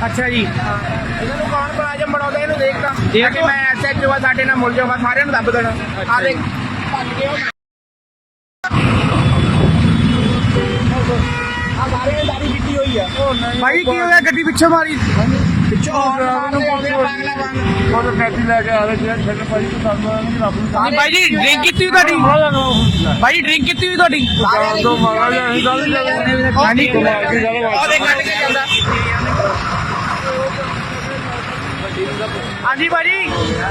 ਅੱਛਾ ਜੀ। ਇਹਨਾਂ ਨੂੰ ਕੌਣ ਮੁਲਾਜ਼ਮ ਬਣਾਉਂਦਾ ਇਹਨੂੰ ਦੇਖਦਾ ਦੇਖ ਕਿ ਮੈਂ ਐਸਐਚਓ ਆ ਸਾਡੇ ਨਾਲ ਮੁਲ ਜਾਊਗਾ ਸਾਰਿਆਂ ਨੂੰ ਦੱਬ ਦੇਣਾ ਆ ਦੇਖ ਭੱਜ ਗਏ ਉਹ। ਆ ਸਾਰੇ ਨੇ ਦਾੜੀ ਪੀਤੀ ਹੋਈ ਆ। ਭਾਈ ਕੀ ਹੋਇਆ ਗੱਡੀ ਪਿੱਛੇ ਮਾਰੀ? ਪਿੱਛੋਂ ਪਾਗਲਾ ਵਾਂਗ ਉਹ ਗੱਡੀ ਲੈ ਕੇ ਆ ਰਹੇ ਸੀ ਛੱਡ ਭਾਈ ਤੋਂ ਸਾਨੂੰ ਰੱਬ ਨੂੰ ਭਾਈ ਜੀ ਡਰਿੰਕ ਕੀਤੀ ਹੋਈ ਤੁਹਾਡੀ? ਭਾਈ ਡਰਿੰਕ ਕੀਤੀ ਹੋਈ ਤੁਹਾਡੀ? ਤੋਂ ਮਾਰਾ ਜਾਂ ਅਸੀਂ ਗੱਲ ਹਾਂਜੀ ਕੁਮਾਰ ਕੀ ਗੱਲ ਉਹ ਦੇਖ ਕੱਢ ਕੇ ਜਾਂਦਾ। ਹਾਂਜੀ ਭਾਜੀ।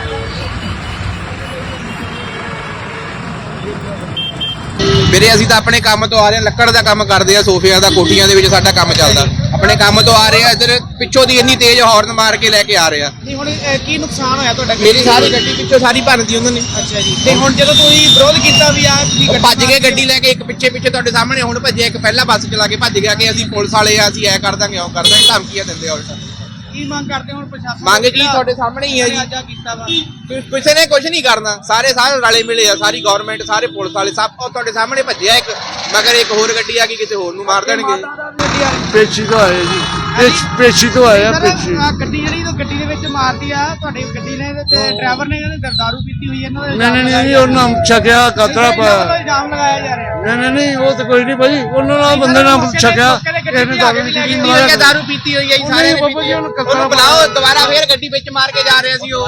ਵੀਰੇ ਅਸੀਂ ਤਾਂ ਆਪਣੇ ਕੰਮ ਤੋਂ ਆ ਰਹੇ ਹਾਂ, ਲੱਕੜ ਦਾ ਕੰਮ ਕਰਦੇ ਆ, ਸੋਫਿਆਂ ਦਾ, ਕੋਠੀਆਂ ਦੇ ਵਿੱਚ ਸਾਡਾ ਕੰਮ ਚੱਲਦਾ। ਆਪਣੇ ਕੰਮ ਤੋਂ ਆ ਰਹੇ ਆ, ਇੱਧਰ ਪਿੱਛੋਂ ਦੀ ਇੰਨੀ ਤੇਜ਼ ਹਾਰਨ ਮਾਰ ਕੇ ਲੈ ਕੇ ਆ ਰਹੇ ਆ। ਨਹੀਂ ਹੁਣ ਕੀ ਨੁਕਸਾਨ ਹੋਇਆ ਤੁਹਾਡਾ? ਮੇਰੀ ਸਾਰੀ ਗੱਡੀ ਪਿੱਛੋਂ ਸਾਰੀ ਭੰਨਤੀ ਉਹਨਾਂ ਨੇ। ਅੱਛਾ ਜੀ। ਤੇ ਹੁਣ ਜਦੋਂ ਤੁਸੀਂ ਵਿਰੋਧ ਕੀਤਾ ਵੀ ਆ ਤੁਸੀਂ ਉਹ ਭੱਜ ਗਏ ਗੱਡੀ ਲੈ ਕੇ, ਇੱਕ ਪਿੱਛੇ ਤੁਹਾਡੇ ਸਾਹਮਣੇ ਹੁਣ ਭੱਜਿਆ, ਇੱਕ ਪਹਿਲਾਂ ਬੱਸ ਚਲਾ ਕੇ ਭੱਜ ਗਿਆ ਕਿ ਅਸੀਂ ਪੁਲਿਸ ਵਾਲੇ ਆ, ਅਸੀਂ ਐ ਕਰ ਦਾਂਗੇ ਉਹ ਕਰ ਦਾਂਗੇ, ਧਮਕੀਆਂ ਦਿੰਦੇ ਆ ਉਲਟਾ। ਕੀ ਮੰਗ ਕਰਦੇ ਹੁਣ ਪ੍ਰਸ਼ਾਸਨ? ਮੰਗ ਕੀ ਤੁਹਾਡੇ ਸਾਹਮਣੇ ਹੀ ਹੈ ਜੀ। ਅੱਜ ਕੀਤਾ ਵਾ ਕਿਸੇ ਨੇ ਕੁਝ ਨਹੀਂ ਕਰਨਾ, ਸਾਰੇ ਰਲੇ ਮਿਲੇ ਆ, ਸਾਰੀ ਗਵਰਨਮੈਂਟ, ਸਾਰੇ ਪੁਲਿਸ ਵਾਲੇ ਸਭ ਉਹ ਤੁਹਾਡੇ ਸਾਹਮਣੇ ਭੱਜਿਆ ਇੱਕ, ਮਗਰ ਇੱਕ ਹੋਰ ਗੱਡੀ ਆ ਗਈ ਕਿਸੇ ਹੋਰ ਨੂੰ ਮਾਰ ਦੇਣਗੇ। ਪੇਚੀ ਤੋਂ ਆਏ ਜੀ, ਪੇਚੀ ਤੋਂ ਆਏ ਆ ਪੇਚੀ। ਗੱਡੀ ਜਿਹੜੀ ਗੱਡੀ ਦੇ ਵਿੱਚ ਮਾਰਦੀ ਆ ਤੁਹਾਡੀ ਗੱਡੀ ਨੇ ਤੇ ਡਰਾਈਵਰ ਨੇ ਇਹਨੇ ਦਾਰੂ ਪੀਤੀ ਹੋਈ ਇਹਨਾਂ ਦੇ ਨਹੀਂ ਉਹਨਾਂ ਛਕਿਆ ਕਤਰਾ ਪਾਇਆ। ਇਲਜ਼ਾਮ ਲਗਾਇਆ ਜਾ ਰਿਹਾ। ਨਹੀਂ ਉਹ ਤਾਂ ਕੋਈ ਨਹੀਂ ਭਾਈ, ਉਹਨਾਂ ਨਾਲ ਬੰਦੇ ਨਾਲ ਛਕਿਆ ਇਹਨੇ ਦਾਰੂ ਨਹੀਂ ਪੀਤੀ ਹੋਈ ਹੈ, ਦਾਰੂ ਪੀਤੀ ਹੋਈ ਹੈ ਜੀ ਸਾਰੇ ਨੇ ਪੀਤੀ ਹੈ। ਉਹਨੂੰ ਬੁਲਾਓ ਦੁਬਾਰਾ, ਫੇਰ ਗੱਡੀ ਵਿੱਚ ਮਾਰ ਕੇ ਜਾ ਰਹੇ ਸੀ ਉਹ।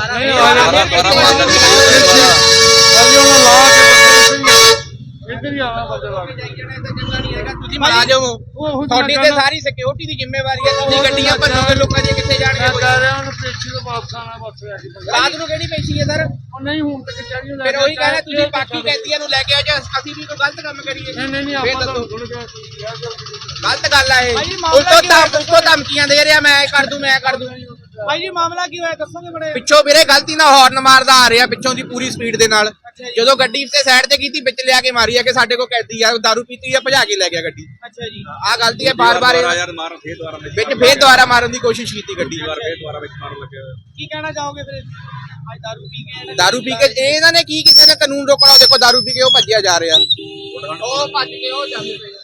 ਤੁਸੀਂ ਮੁਲਾਜ਼ਮ ਹੋ, ਤੁਹਾਡੀ ਤੇ ਸਾਰੀ ਸਿਕਿਉਰਿਟੀ ਦੀ ਜ਼ਿੰਮੇਵਾਰੀ ਹੈ। ਤੁਸੀਂ ਗੱਡੀਆਂ ਭੰਨੋਗੇ, ਲੋਕਾਂ ਦੀਆਂ ਕਿੱਥੇ ਜਾਣਗੇ? ਰਾਤ ਨੂੰ ਕਿਹੜੀ ਪੈਸੀ ਹੈ ਸਰ? ਨਹੀਂ ਹੁਣ ਤੱਕ ਚਾਹੀਏ ਫਿਰ ਉਹੀ ਕਹਿੰਦਾ ਤੁਸੀਂ ਬਾਕੀ ਕੈਦੀਆਂ ਨੂੰ ਲੈ ਕੇ ਆ ਜਾ, ਅਸੀਂ ਵੀ ਕੋਈ ਗਲਤ ਕੰਮ ਕਰੀਏ? ਨਹੀਂ ਫੇਰ ਆਪਾਂ ਦੱਸੋ ਤਾਂ ਗਲਤ ਗੱਲ ਆ ਇਹ। ਭਾਈ ਜੀ, ਮਾਮਲਾ ਉਲਟੋ ਧਮਕੀਆਂ ਦੇ ਰਿਹਾ, ਮੈਂ ਇਹ ਕਰ ਦੂੰ, ਮੈਂ ਕਰ ਦੂੰ। ਭਾਈ ਜੀ ਮਾਮਲਾ ਕੀ ਹੋਇਆ ਦੱਸੋਗੇ ਬੜੇ? ਪਿੱਛੋਂ ਵੀਰੇ ਗਲਤੀ ਨਾਲ ਹਾਰਨ ਮਾਰਦਾ ਆ ਰਿਹਾ, ਪਿੱਛੋਂ ਦੀ ਪੂਰੀ ਸਪੀਡ ਦੇ ਨਾਲ। ਜਦੋਂ ਗੱਡੀ ਤੇ ਸਾਈਡ ਤੇ ਕੀਤੀ, ਵਿੱਚ ਲਿਆ ਕੇ ਮਾਰੀ ਆ ਕਿ ਸਾਡੇ ਕੋਲ ਕੈਦੀ ਆ, ਦਾਰੂ ਪੀਤੀ ਆ, ਭਜਾ ਕੇ ਲੈ ਗਿਆ ਗੱਡੀ। ਅੱਛਾ ਜੀ। ਆਹ ਗਲਤੀ ਹੈ, ਬਾਰ-ਬਾਰ ਵਿੱਚ ਫੇਰ ਦੁਬਾਰਾ ਮਾਰਨ ਦੀ ਕੋਸ਼ਿਸ਼ ਕੀਤੀ ਗੱਡੀ। ਕੀ ਕਹਿਣਾ ਚਾਹੋਗੇ ਫਿਰ? ਅੱਜ ਦਾਰੂ ਪੀ ਕੇ ਇਹਨਾਂ ਨੇ ਕੀ ਕਿਸੇ ਨੇ ਕਾਨੂੰਨ ਰੋਕਣਾ? ਦੇਖੋ ਦਾਰੂ ਪੀ ਕੇ ਉਹ ਭੱਜਿਆ ਜਾ ਰਿਹਾ, ਉਹ ਭੱਜ ਕੇ ਉਹ ਜਾਂਦੇ